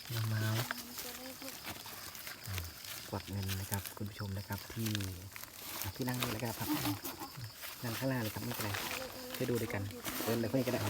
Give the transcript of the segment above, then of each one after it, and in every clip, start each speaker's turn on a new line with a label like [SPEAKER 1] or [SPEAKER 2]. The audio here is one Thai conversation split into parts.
[SPEAKER 1] น้ำเมากวักเงินนะครับคุณผู้ชมนะครับที่นั่งนี่แหละครับนั่งข้างหน้าเลยครับไม่เป็นไรไปดูด้วยกันเดินเลยคนนี้ก็ได้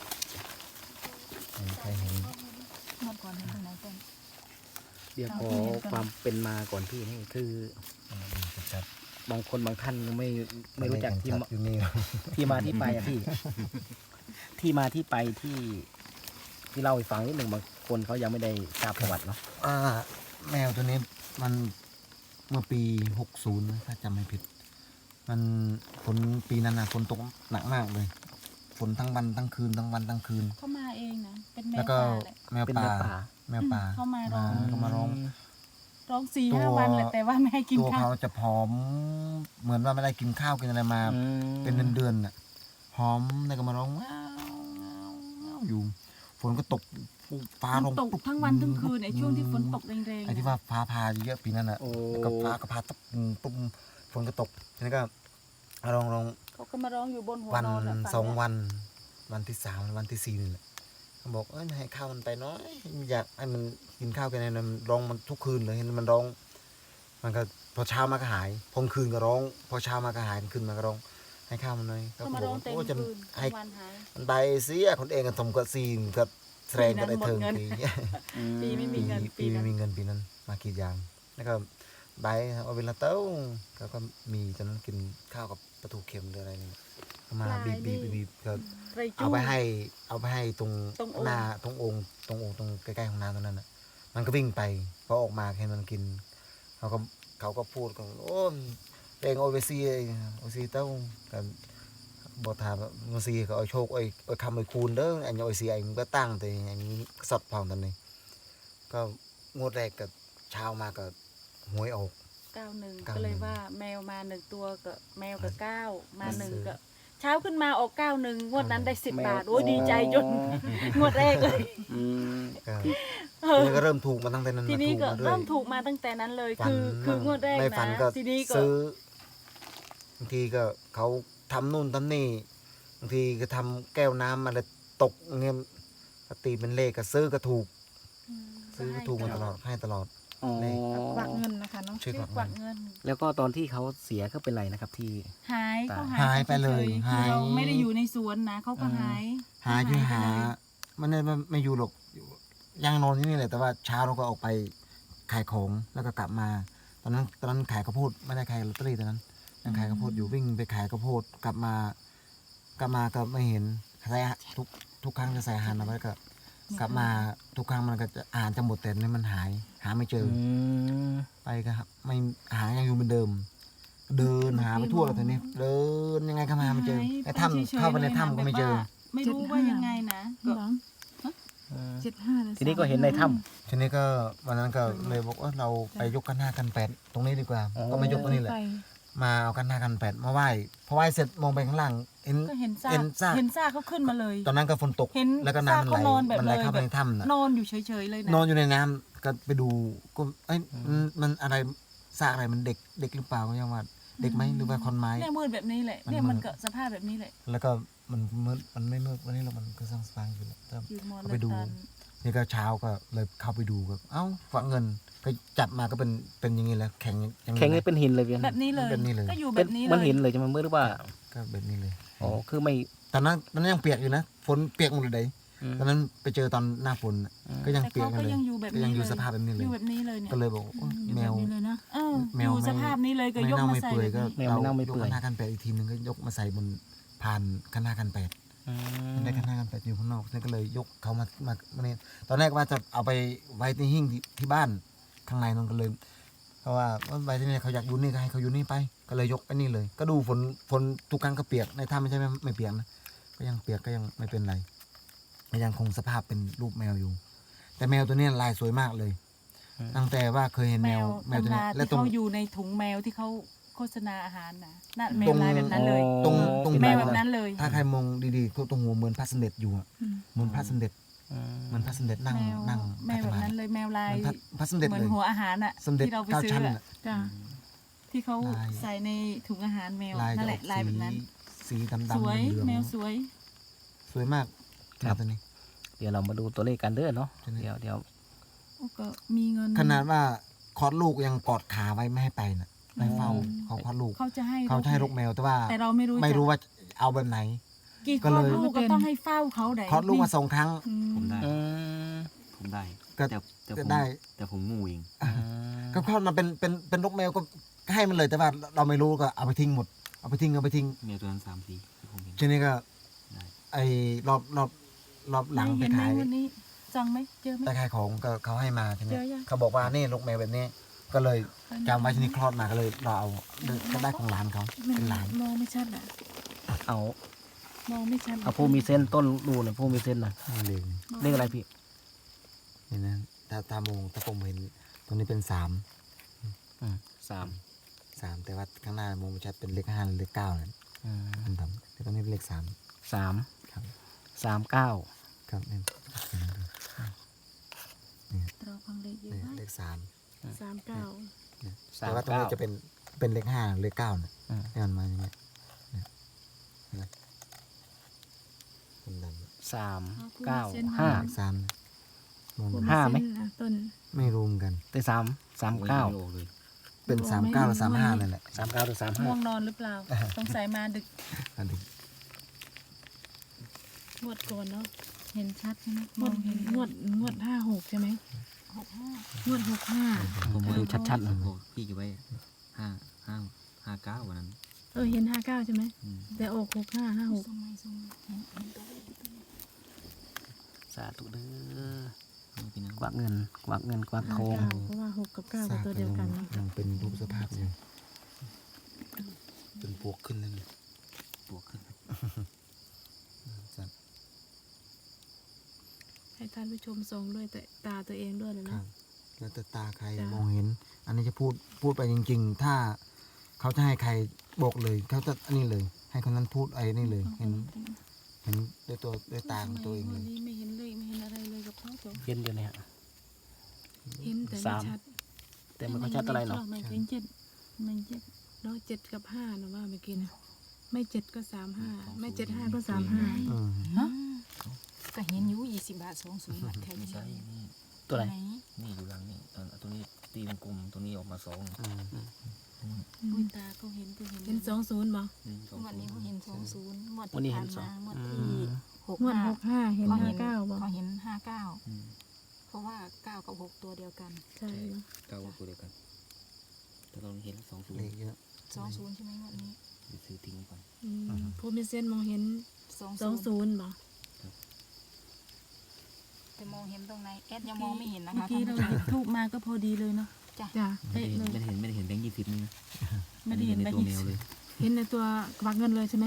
[SPEAKER 1] ใครเห็น
[SPEAKER 2] เมื่อก่อนเห็นตรงไหนก่อน
[SPEAKER 1] เดี๋ยวขอความเป็นมาก่อนพี่นี่คือบางคนบางท่านไม่รู้จักที่มาที่ไปอะพี่ ที่มาที่ไปที่เล่าให้ฟังนิดหนึ่งบางคนเขายังไม่ได้ทราบประวัติเนาะ
[SPEAKER 3] แมวตัวนี้มันเมื่อปี60ถ้าจำไม่ผิดมันฝนปีนั้นนะฝนตกหนักมากเลยฝนทั้งวันทั้งคืนทั้งวันทั้งคืน
[SPEAKER 2] เขามาเองนะเป็นแม
[SPEAKER 3] แล้ว วก็
[SPEAKER 2] ป่าแหละ
[SPEAKER 3] แมวป่า
[SPEAKER 2] เขามาร้อง
[SPEAKER 3] เขามาร้อง
[SPEAKER 2] ร้อง4-5 วันแหละแต่ว่าไม่ให้กิน
[SPEAKER 3] ตัว
[SPEAKER 2] ข้า
[SPEAKER 3] เขา
[SPEAKER 2] ว
[SPEAKER 3] จะผอมเหมือนว่าไม่ได้กินข้าวกินอะไรมาเป็นเดือนน่ะผอมแล้วก็มาร้องว้าวอยู่ฝนก็ตกฟ้าร้อง
[SPEAKER 2] ตกทั้งวันทั้งคืนไอ้ช่วงที่ฝนตกแรงๆ
[SPEAKER 3] ไอ้ที่ว่าฟ้าผ่าเยอะปีนั้นน่ะแล้วก็ฟ้าก็ผ่าปุ๊บฝนก็ตกทีนี้ก็ร้อง
[SPEAKER 2] เขาก็มาร้องอยู่บนหัว
[SPEAKER 3] วัน
[SPEAKER 2] นอนน่ะ
[SPEAKER 3] 2 วันวันที่ 3วันที่ 4นี่แหละเขาบอกให้ข้าวมันไปน้อยอยากให้มันกินข้าวกันเนี่ยมันร้องมันทุกคืนเลยเห็นมันร้องมันก็พอเช้ามาก็หายพอคืนก็ร้องพอเช้ามาก็หายคืนมาก็ร้องให้ข้าวมันหน่อย
[SPEAKER 2] เขามาร้องเต็ม
[SPEAKER 3] จะ
[SPEAKER 2] คืน
[SPEAKER 3] ให้
[SPEAKER 2] วันหาย
[SPEAKER 3] มันไปเสียคนเองก็ทำก็ซีนก็แสดงก็ได้เทิงปี
[SPEAKER 2] ปีไม่มีเงิน
[SPEAKER 3] ปีไม่มีเงินปีนั้นมากี่อย่างแล้วก็ใบเอาเวลาเต้าก็มีตอนนั้นกินข้าวกับปลาทูเค็มหรืออะไรนี่มาบีบก็
[SPEAKER 2] ไรจู้
[SPEAKER 3] เอาไปให้ตรง
[SPEAKER 2] ตรงองค์
[SPEAKER 3] หน้าตรงองค์ตรงใกล้ๆของน้ำตรงนั้นน่ะมันก็วิ่งไปพอออกมาเห็นมันกินเขาก็พูดกันโอ้เองโอเวซีเต้ากันบอกถามโอซีก็เอาโชคเอาคำเอาคูณเด้ออันนี้โอซีอันก็ตั้งแต่อันนี้สดพองตอนนี้ก็งวดแรกกับเช้ามาก็หวยออก
[SPEAKER 2] 91ก็เลยว่าแมวมา1ตัวก็แมวกับ9มา1ก็เช้าขึ้นมาออก91งวดนั้นได้10 บาทโอ้ยดีใจจนงวดแรกเลย
[SPEAKER 3] ก็เริ่มถูกมาตั้งแต่นั้น
[SPEAKER 2] ทีนี้ก็
[SPEAKER 3] ถูา
[SPEAKER 2] เริ่มถูกมาตั้งแต่นั้นเลย คืองวดแรก
[SPEAKER 3] ไม่ฝันก็
[SPEAKER 2] นะทีนี้ก็
[SPEAKER 3] ซื้อบางทีก็เขาทำนู่นทำนี่บางทีก็ทำแก้วน้ำอะไรตกเงี้ยตีเป็นเลขก็ซื้อก็ถูกซื้อก็ถูกมาตลอดให้ตลอด
[SPEAKER 1] อ๋อ
[SPEAKER 2] กวักเงินนะคะเนาะ
[SPEAKER 3] ชื่อกวักเงิน
[SPEAKER 1] แล้วก็ตอนที่เขาเสียเขาเป็นไรนะครับที่
[SPEAKER 2] หายเขา
[SPEAKER 3] หายไปเลย
[SPEAKER 2] ฉๆ
[SPEAKER 3] หาย
[SPEAKER 2] คือเราไม่ได้อยู่ในสวนนะเขาก็หาย
[SPEAKER 3] หาอยู่หา
[SPEAKER 2] ไปเลย
[SPEAKER 3] มันไม่อยู่หรอกยังนอนที่นี่แหละแต่ว่าเช้าเราก็ออกไปขายของแล้วก็กลับมา ตอนนั้นขายข้าวโพดไม่ได้ขายลอตเตอรี่ตอนนั้นยังขายข้าวโพดอยู่วิ่งไปขายข้าวโพดกลับมาก็ไม่เห็นใส่ทุกครั้งจะใส่อาหารเอาไว้ก็กลับมาทุกครั้งมันก็จะอาหารจะหมดแต่นี่มันหาไม่เจอไปก็ไม่อาหารยังอยู่เหมือนเดิม เดินหาไปทั่วเลยตอนนี้เดินยังไงก็หาไม่เจอในถ้ำเข้าไปในถ้ำก็ไม่เจอ
[SPEAKER 2] ไม่รู้ว่ายังไงนะก็
[SPEAKER 1] ทีนี้ก็เห็นในถ้
[SPEAKER 3] ทีนี้ก็วันนั้นก็เลยบอกว่าเราไปยกกัน5กัน8ตรงนี้ดีกว่าก็มายกตรงนี้แหละมาเอากัน5กัน8มาไหว้พอไหว้เสร็จมองไปข้างล่างเห็น
[SPEAKER 2] ก็เห็นซาก
[SPEAKER 3] ซาก
[SPEAKER 2] เขาขึ้นมาเลย
[SPEAKER 3] ตอนนั้นก็ฝนตก
[SPEAKER 2] เห็น
[SPEAKER 3] แล้วก็น้ำมันไหล
[SPEAKER 2] ซากเขานอนแบบ
[SPEAKER 3] มันไหล
[SPEAKER 2] เลย
[SPEAKER 3] เข้าไปในถ้ำน่ะ
[SPEAKER 2] นอนอยู่เฉยๆเลยนะ
[SPEAKER 3] นอนอยู่ในน้ำก็ไปดูก็เอ้ยมันอะไรซากอะไรมันเด็กหรือเปล่าก็ยังว่าเด็กไหมหรือว่าคนไม้
[SPEAKER 2] เนี่ยมืดแบบนี้แหละเนี่ยมันก็สภาพแบบนี้แหละ
[SPEAKER 3] แล้วก็มันมืดมันไม่มืดวันนี้เรามันก็สร้างอยู่แล้วแต่
[SPEAKER 2] ยืนมอง
[SPEAKER 3] ก็ไปดู
[SPEAKER 2] เลย
[SPEAKER 3] นี่ก็เช้าก็เลยเข้าไปดูก็เอ้าฝังเงินก็จับมาก็เป็นอย่างนี้แหล้วแข็งอย่าง
[SPEAKER 1] ำแข็งนี่เป็นหินเลยเพียง
[SPEAKER 2] แบบนี้เลย
[SPEAKER 3] แบบนี้เลย
[SPEAKER 2] ก็อยู่แบ
[SPEAKER 1] เป็น
[SPEAKER 2] บนี้
[SPEAKER 1] มัน
[SPEAKER 2] เลย
[SPEAKER 1] หินเลยจะมันมืดหรือว่า
[SPEAKER 3] ก็แบบนี้เลย
[SPEAKER 1] อ๋อคือไม่
[SPEAKER 3] ตอนนั้นยังเปียกอยู่นะฝนเปียกหมดเลยตอนนั้นไปเจอตอนหน้าฝนน่ะก็ยัง
[SPEAKER 2] แต่
[SPEAKER 3] เปียก
[SPEAKER 2] เขา
[SPEAKER 3] กัน
[SPEAKER 2] ก็
[SPEAKER 3] เลย
[SPEAKER 2] ยังอยู่แบบ
[SPEAKER 3] ก็
[SPEAKER 2] นี้
[SPEAKER 3] ยังอยู่
[SPEAKER 2] เลย
[SPEAKER 3] สภาพแบบนี้เล
[SPEAKER 2] อย ยู่แบบนี้เลยเนี่ย
[SPEAKER 3] ก็เลยบอกโอ้แมว
[SPEAKER 2] อยู่แบบนี้เลยนะ
[SPEAKER 3] แมว
[SPEAKER 2] อยู่สภาพนี้เลยก็
[SPEAKER 3] ไม่
[SPEAKER 2] ยก
[SPEAKER 3] เน่า
[SPEAKER 2] มา
[SPEAKER 3] ไม่
[SPEAKER 2] ใส่
[SPEAKER 3] เปื่อย
[SPEAKER 2] แบบ
[SPEAKER 3] ก็
[SPEAKER 2] นี้
[SPEAKER 1] แมวไม่เน่าไม่
[SPEAKER 3] ยก
[SPEAKER 1] เปื่อย
[SPEAKER 3] คณะกันแปดอีกทีหนึงก็ยกมาใส่บนผ่านคณะกันแปดมันได้คณะกันแปดอยู่ข้างนอกนั่นก็เลยยกเขามาเนี่ยตอนแรกว่าจะเอาไปไว้ที่หิ้งที่บ้านข้างในนั่นก็เลยเพราะว่าไว้ที่นี่เขาอยากอยู่นี่ก็ให้เขาอยู่นี่ไปก็เลยยกไปนี่เลย ก็ดูฝนทุกครั้งก็เปียกในถ้ำไม่ใช่ไม่เปียกนะก็ยังเปียกก็ยังไม่เป็นไรก็ยังคงสภาพเป็นรูปแมวอยู่ แต่แมวตัวนี้ลายสวยมากเลยตั้งแต่ว่าเคยเห็นแมวตัว
[SPEAKER 2] ตำ
[SPEAKER 3] นี้
[SPEAKER 2] รา
[SPEAKER 3] และ
[SPEAKER 2] ที่
[SPEAKER 3] ตรง
[SPEAKER 2] เขาอยู่ในถุงแมวที่เขาโฆษณาอาหารนะนั่นแมวลายแบบนั้นเลย
[SPEAKER 3] ตรง
[SPEAKER 2] แมวแบบนั้นเลย
[SPEAKER 3] ถ้าใครมองดีๆก็ตรงหัวเหมือนพระสมเด็จอยู่อะเหมือนพระสมเด็จเหมือนพระสมเด็จนั่ง
[SPEAKER 2] แมวแบบนั้นเลยแมวลาย
[SPEAKER 3] เหมือนพระสมเด็จ
[SPEAKER 2] เหมือ
[SPEAKER 3] เล
[SPEAKER 2] น
[SPEAKER 3] ย
[SPEAKER 2] หัวอาหารอ่ะ
[SPEAKER 3] สมเด็จ
[SPEAKER 2] ที่เราไป
[SPEAKER 3] เก้า
[SPEAKER 2] ซื้อ
[SPEAKER 3] ชั้น
[SPEAKER 2] อะ
[SPEAKER 3] น่ะ
[SPEAKER 2] ที่เขา
[SPEAKER 3] ลาย
[SPEAKER 2] ใส่ในถุงอาหารแมว
[SPEAKER 3] ลาย
[SPEAKER 2] นั่น
[SPEAKER 3] จะ
[SPEAKER 2] แห
[SPEAKER 3] อ
[SPEAKER 2] ละ
[SPEAKER 3] อก
[SPEAKER 2] ลายแบบนั้น
[SPEAKER 3] สีดำ
[SPEAKER 2] สวย
[SPEAKER 3] เหลือง
[SPEAKER 2] แมวสวย
[SPEAKER 3] สวยมาก
[SPEAKER 1] ครับ
[SPEAKER 3] ตัวนี้
[SPEAKER 1] เดี๋ยวเรามาดูตัวเลขกันเด้อเนาะ
[SPEAKER 3] ใช่ไหม
[SPEAKER 1] เดี๋ยว
[SPEAKER 2] โอ้ก็มีเงิน
[SPEAKER 3] ขนาดว่าคลอดลูกยังกอดขาไว้ไม่ให้ไปนะไม่เฝ้าเขาคลอดลูก
[SPEAKER 2] เขาจะให้
[SPEAKER 3] เขาจะให้ลูกแมวแต่ว่า
[SPEAKER 2] แต่เราไม่รู้
[SPEAKER 3] ไม่รู้
[SPEAKER 2] จัก
[SPEAKER 3] ว่าเอาแบบไหน
[SPEAKER 2] กี่
[SPEAKER 3] ก็
[SPEAKER 2] คล
[SPEAKER 3] เล
[SPEAKER 2] อด
[SPEAKER 3] ย
[SPEAKER 2] ลูกก็ต้องให้เฝ้าเขาได้
[SPEAKER 3] คลอดลูกมา2 ครั้ง
[SPEAKER 2] อื
[SPEAKER 4] ผมได้
[SPEAKER 1] อืม
[SPEAKER 4] ผมได้
[SPEAKER 3] ก็
[SPEAKER 4] แต่
[SPEAKER 3] ก็
[SPEAKER 4] ผม
[SPEAKER 3] ได้
[SPEAKER 4] แต่ผมงูเอง
[SPEAKER 3] ก็คลอดมาเป็นลูกแมวก็ให้มันเลยแต่ว่าเราไม่รู้ก็เอาไปทิ้งหมดเอาไปทิ้ง
[SPEAKER 4] เมียตัวนั้น3 4ที่ผมเห็น
[SPEAKER 3] ทีนี้ก็
[SPEAKER 4] ได้
[SPEAKER 3] ไอ้รอบหลังไป
[SPEAKER 2] เห็นไหม
[SPEAKER 3] ขาย
[SPEAKER 2] วันนี้จังไหมเจอไหม
[SPEAKER 3] ไปขายของก็เขาให้มาใช่ไหม
[SPEAKER 2] เจอยัง
[SPEAKER 3] เขาบอกว่านี่ลูกแมวแบบนี้ ก็เลยจำไว้ที่นี่คลอดมาก็เลยเราเอาก็ได้ของหลานเขาเป็นหลาน
[SPEAKER 2] มองไม่ชัดอ่ะ
[SPEAKER 1] เอา
[SPEAKER 2] มองไม่ชัด
[SPEAKER 1] เอาผู้มีเส้นต้นดูหน่อยผู้มีเส้นหน่อย
[SPEAKER 3] เลข
[SPEAKER 1] เลขอะไรพี่
[SPEAKER 3] นี่นะตามองถ้าผมเห็นตรงนี้เป็น3
[SPEAKER 1] 3
[SPEAKER 3] แต่ว่าข้างหน้ามองไม่ชัดเป็นเลข5หรือเลข9นั่น
[SPEAKER 1] อืม
[SPEAKER 3] มันดำแต่ตรงนี้เป็นเลข3
[SPEAKER 1] 3
[SPEAKER 3] ครับ
[SPEAKER 1] 39
[SPEAKER 3] ครับนี่
[SPEAKER 2] เราฟังเลขเยอะ
[SPEAKER 3] นี่
[SPEAKER 2] มาก
[SPEAKER 3] เลข3
[SPEAKER 2] 39
[SPEAKER 3] แต่ว่าตรงนี้จะเป็นเลข5เลข9นะ
[SPEAKER 1] อืม
[SPEAKER 3] นี่มันมาอย่างเงี้ยเนี่ยเห็นไหมมันดำ
[SPEAKER 1] 3 9
[SPEAKER 3] เลข
[SPEAKER 1] 5
[SPEAKER 3] 3นะมอง
[SPEAKER 1] ห้าไหม
[SPEAKER 2] ต้น
[SPEAKER 3] ไม่รู้เหมือนกัน
[SPEAKER 1] แต่3
[SPEAKER 4] ไม่
[SPEAKER 1] 39
[SPEAKER 4] ออกเลย
[SPEAKER 3] เป็น
[SPEAKER 2] โอ้
[SPEAKER 3] 39
[SPEAKER 2] ไม่
[SPEAKER 3] หรือ
[SPEAKER 2] รู้
[SPEAKER 3] 35นั่นแหละ
[SPEAKER 1] 39หรือ
[SPEAKER 2] ง่วงนอนหรือเปล่าสงสัยมาดึก
[SPEAKER 3] อันนี้
[SPEAKER 2] งวดก่อนเนาะเห็นชัดใช่ไหมมองเห็นงวด56ใช่ไหมงวด65
[SPEAKER 1] ผมดูชัดๆหน่อย
[SPEAKER 4] บอกพี่เก็บไว้59วันนั้น
[SPEAKER 2] เห็น59ใช่ไหม
[SPEAKER 4] อืม
[SPEAKER 2] แต่ออก65 56
[SPEAKER 1] สาธุเด้อ
[SPEAKER 4] เอาพี่น้อง
[SPEAKER 1] กวักเงินกวักทอง
[SPEAKER 2] เพราะว่า6กับ9เป็นตัวเดียวกันเนาะ
[SPEAKER 3] ยังเป็นรูปสภาพอยู่เป็นปวกขึ้นแล้วนี่
[SPEAKER 4] บวกขึ้น
[SPEAKER 3] สัตว์
[SPEAKER 2] ให้ท่านผู้ชมส่องด้วยแต่ตาตัวเองด้วยนะ
[SPEAKER 3] ครั
[SPEAKER 2] นะ
[SPEAKER 3] บแล้วแต่ตาใคร
[SPEAKER 2] จ้ะ
[SPEAKER 3] มองเห็น อันนี้จะพูดไปจริง ๆ ถ้าเขาจะให้ใครบอกเลยเขาจะอันนี้เลย ให้คนนั้นพูดไอ้นี่เลย เห็นด้วยตาของตัวเองเลย
[SPEAKER 2] วันนี้ไม่เห็นเลขไม่เห็นอะไรเลยกับเขาตัว
[SPEAKER 1] เย็นอยู่เนี่ย
[SPEAKER 2] เห็นแต่
[SPEAKER 1] สา
[SPEAKER 2] ไม่
[SPEAKER 1] ม
[SPEAKER 2] ชัด
[SPEAKER 1] แต่ไม่ค่อยชัดอะไรเนาะ
[SPEAKER 2] ไม่เห็น7ไม่เจ็ดเนาะ7กับ5นะว่าเมื่อกี้นะไม่7ก็35ไม่75ก็35
[SPEAKER 3] อืม
[SPEAKER 5] ฮะก็เห็นอยู่20 บาท20 บาทแค่
[SPEAKER 4] ไม่
[SPEAKER 5] นี้
[SPEAKER 4] ใช่นี่
[SPEAKER 1] ตัวไหน
[SPEAKER 4] นี่อยู่หลังนี่ตัวนี้ตีวงกลมตัวนี้ออกมา2
[SPEAKER 3] อืม
[SPEAKER 2] อุ้ยตาก็เห็นก็เห็น20บ่
[SPEAKER 5] วันนี้เขาเห็น20งวด
[SPEAKER 1] วันนี้
[SPEAKER 5] ที่
[SPEAKER 1] เห็
[SPEAKER 5] ผ่าน น
[SPEAKER 1] สอง
[SPEAKER 5] มางวด
[SPEAKER 1] อื
[SPEAKER 5] ที่
[SPEAKER 1] ม
[SPEAKER 2] งวด
[SPEAKER 5] 65
[SPEAKER 2] 65เห็น
[SPEAKER 5] เขาเห็น
[SPEAKER 2] 59บ่
[SPEAKER 5] เขาเห็น
[SPEAKER 4] อืม
[SPEAKER 5] 59เพราะว่า9กับ6ตัวเดียวกัน
[SPEAKER 2] ใช่บ่
[SPEAKER 4] เก้าตัวเดียวกันแต่เราเห็น20
[SPEAKER 3] เลขเยอะ
[SPEAKER 5] 20ใช่ไหมงวดนี้
[SPEAKER 4] ไปซื้อทิ้งไว้ก่อน
[SPEAKER 2] ผู้มีเส้นมองเห็น
[SPEAKER 5] 20
[SPEAKER 2] 20บ่
[SPEAKER 5] แต่มองเห็นตรงไหนแอดยังมองไม่เห็นนะ
[SPEAKER 2] เมื่อ
[SPEAKER 5] คะ
[SPEAKER 2] กี้เราหยิบทูบมาก็พอดีเลยเนาะ
[SPEAKER 5] จ้ะ
[SPEAKER 2] จ้ะ
[SPEAKER 4] ไม่
[SPEAKER 2] เป๊ะ
[SPEAKER 4] ได้
[SPEAKER 2] เลย
[SPEAKER 4] เห็นแบงค์20นี่นะ
[SPEAKER 2] ไม่ได้เห็น
[SPEAKER 4] ใน
[SPEAKER 2] ใบ
[SPEAKER 4] ตัว
[SPEAKER 2] หยิ
[SPEAKER 4] แมว
[SPEAKER 2] บ
[SPEAKER 4] เลย
[SPEAKER 2] เห็นในตัวกวักเงินเลยใช่ไหม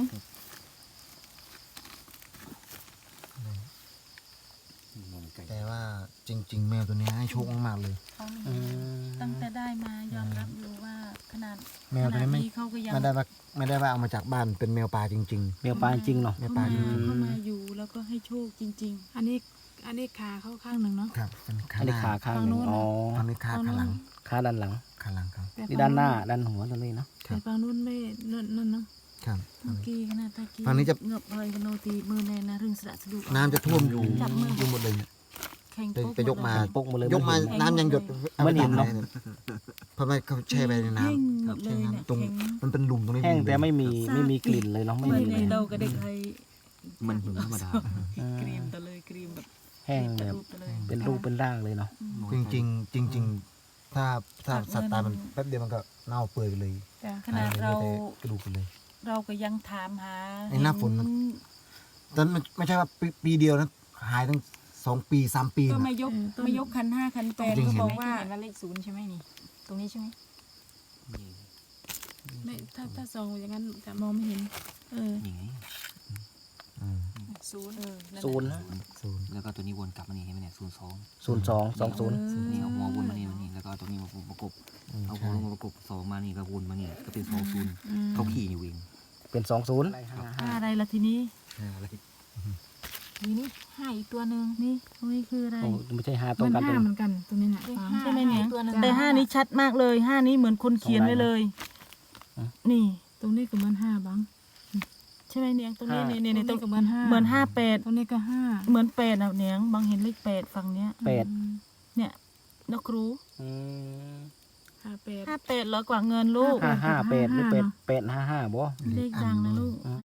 [SPEAKER 4] มองไกล
[SPEAKER 3] แต่ว่าจริง ๆ แมวตัวนี้ให้โชคมากๆเลย
[SPEAKER 2] เขาไม่
[SPEAKER 1] อื
[SPEAKER 2] เห็น
[SPEAKER 1] ม
[SPEAKER 2] ตั้งแต่ได้มายอมรับอยู่ว่าขนาด
[SPEAKER 3] แมวตัวนี้ไม่
[SPEAKER 2] เขาก็ยัง
[SPEAKER 3] ไม่ได้ว่าเอามาจากบ้านเป็นแมวป่าจริง
[SPEAKER 1] เมียวปลาจริงเนาะ
[SPEAKER 3] แม่ปลา
[SPEAKER 2] เขามาอยู่แล้วก็ให้โชคจริง ๆ อันนี้ขาเข้าข้างหนึ่งเนาะ
[SPEAKER 3] ๆ ครับเป็นขา
[SPEAKER 1] อัน
[SPEAKER 3] ห
[SPEAKER 1] นี้
[SPEAKER 3] น้า
[SPEAKER 1] ขาข้างหนึ่ง
[SPEAKER 2] ฝั่งโน้น
[SPEAKER 1] อ๋อ
[SPEAKER 3] อันนี้ขาข้างหลัง
[SPEAKER 1] ขาด้านหลัง
[SPEAKER 3] ขาหลังครับ
[SPEAKER 1] นี่ด้านหน้าด้านหัวตัวนี้เนาะ
[SPEAKER 3] ครั
[SPEAKER 2] แต่
[SPEAKER 3] บ
[SPEAKER 2] ฝั่งนู้นไม่นั่นเนาะ
[SPEAKER 3] ครับ
[SPEAKER 2] เมื่อกี้ขนาดตะกี้
[SPEAKER 3] ฝั่งนี้จะ
[SPEAKER 2] เงือบเลยโนตีมือแน่นะเรื่องสระสะดุก
[SPEAKER 3] น้ำจะท่วมอยู่
[SPEAKER 2] จับมือ
[SPEAKER 3] อยู่หมดเลยเนี่ย
[SPEAKER 2] แข่ง
[SPEAKER 3] ไปยกมา
[SPEAKER 1] ปกมาเลย
[SPEAKER 3] ยกมา
[SPEAKER 1] ไเห็น
[SPEAKER 3] น้ำยังหยด
[SPEAKER 1] ไม่เห็นเนอะ
[SPEAKER 3] เพราะว่าเขาแช่ไปในน้
[SPEAKER 2] แห้งหมด
[SPEAKER 3] ำ
[SPEAKER 2] เล
[SPEAKER 3] แช่
[SPEAKER 2] ยเนี่ย
[SPEAKER 3] น้ำตรง
[SPEAKER 2] แข็ง
[SPEAKER 3] มันเป็นหลุมตรงนี้
[SPEAKER 1] แห้ง
[SPEAKER 3] หลุ
[SPEAKER 1] แต่ไม่มีกลิ่นเลยเนาะไม่
[SPEAKER 2] ไม่
[SPEAKER 1] มี
[SPEAKER 2] ใน
[SPEAKER 1] เลย
[SPEAKER 2] เราก็ได้ใคร
[SPEAKER 4] มันหิวธรรมดา
[SPEAKER 2] ครีมตะเลยครีมแบบ
[SPEAKER 1] แห้งแบบ
[SPEAKER 2] ตะเลย
[SPEAKER 1] เป็นรูปเป็นร่างเลยเนาะ
[SPEAKER 3] จริงๆจริง ๆ ถ้าสัตว์ตายมันแป๊บเดียวมันก็เน่าเปื่อยไปเลย
[SPEAKER 2] จ้ะขนาดเรา
[SPEAKER 3] หยไปแต่กระดูกไปเลย
[SPEAKER 2] เราก็ยังถามหา
[SPEAKER 3] ไอ้หน้าฝนมัน ตอนมันไม่ใช่ว่าปีเดียวนะหายตั้ง2 ปี 3 ปี
[SPEAKER 2] ก็
[SPEAKER 3] นะ
[SPEAKER 2] ไม่ยกคัน5คัน8
[SPEAKER 3] จริง
[SPEAKER 2] ก็
[SPEAKER 3] เห็น
[SPEAKER 2] บอก
[SPEAKER 5] ว่า
[SPEAKER 2] ว่า
[SPEAKER 5] เห็นว่าเลข0ใช่ไหมนี่ ตรงนี้ใช่ไหม
[SPEAKER 2] ไม่ถ้าส่องอย่างนั้นจะมองไม่เห็น
[SPEAKER 4] นี่ไง
[SPEAKER 3] อืม
[SPEAKER 5] 0
[SPEAKER 1] ศูนย์นะ
[SPEAKER 3] ศูนย์
[SPEAKER 4] แล้วก็ตัวนี้วนกลับมานี่เห็นไหมเนี่ย02
[SPEAKER 1] 0220
[SPEAKER 4] นี่เอาหัววนมานี่แล้วก็เอาตัวนี้มาประกบ เอาหัว
[SPEAKER 3] ใช่
[SPEAKER 4] ลงมาประกบ2มานี่ก็วนมานี่ก็เป็น20เขาขี่อยู่เอง
[SPEAKER 1] เป็น20
[SPEAKER 2] อะไรล่ะทีนี้
[SPEAKER 5] นี่5อีกตัวหนึ่ง
[SPEAKER 2] นี่ตรงนี้คืออะไร
[SPEAKER 1] โอ้ไม่ใช่5ตรงกันตรง
[SPEAKER 2] เหมือนกันตรงนี้น่ะ
[SPEAKER 5] เลข
[SPEAKER 2] ใช่ไหมเนี่ย
[SPEAKER 5] ตัวหนึ่ง
[SPEAKER 2] แต่5นี้ชัดมากเลย5นี้เหมือนคนเขียนไว้เลย นี่ ตรงนี้ก็เหมือน5บังใช่ไหมเนียงตรงนี้เนี่ย
[SPEAKER 5] ตรงนี้
[SPEAKER 2] ตรง
[SPEAKER 5] ก็เหมือน5
[SPEAKER 2] เหมือน58
[SPEAKER 5] ตรงนี้ก็5
[SPEAKER 2] เหมือน8นะเนียงบางเห็นเลข8ฝั่งเนี้ย
[SPEAKER 1] 8
[SPEAKER 2] เนี่ยนกครู
[SPEAKER 1] อืม
[SPEAKER 2] 58เหรอกว่าเงินลูก
[SPEAKER 1] 558หรือ8 855บ่
[SPEAKER 2] เลขดังนะลูก